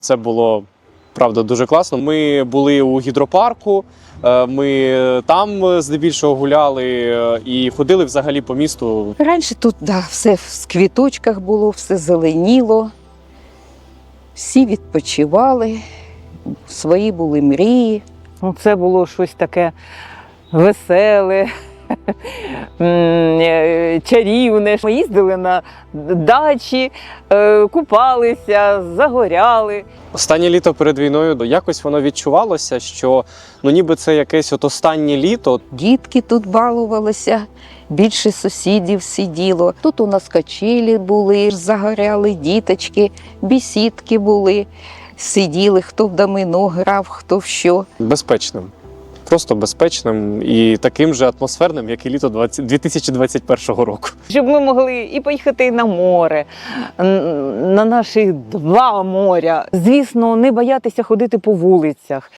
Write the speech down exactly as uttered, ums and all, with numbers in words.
Це було, правда, дуже класно. Ми були у гідропарку, ми там здебільшого гуляли і ходили взагалі по місту. Раніше тут да, все в квіточках було, все зеленіло, всі відпочивали, свої були мрії. Ну, це було щось таке веселе, чарівне. Ми їздили на дачі, купалися, загоряли. Останнє літо перед війною якось воно відчувалося, що ну ніби це якесь от останнє літо. Дітки тут балувалися, більше сусідів сиділо. Тут у нас качелі були, загоряли діточки, бесідки були. Сиділи, хто в домино грав, хто в що. Безпечним. Просто безпечним і таким же атмосферним, як і літо дві тисячі двадцять першого року. Щоб ми могли і поїхати на море, на наші два моря. Звісно, не боятися ходити по вулицях.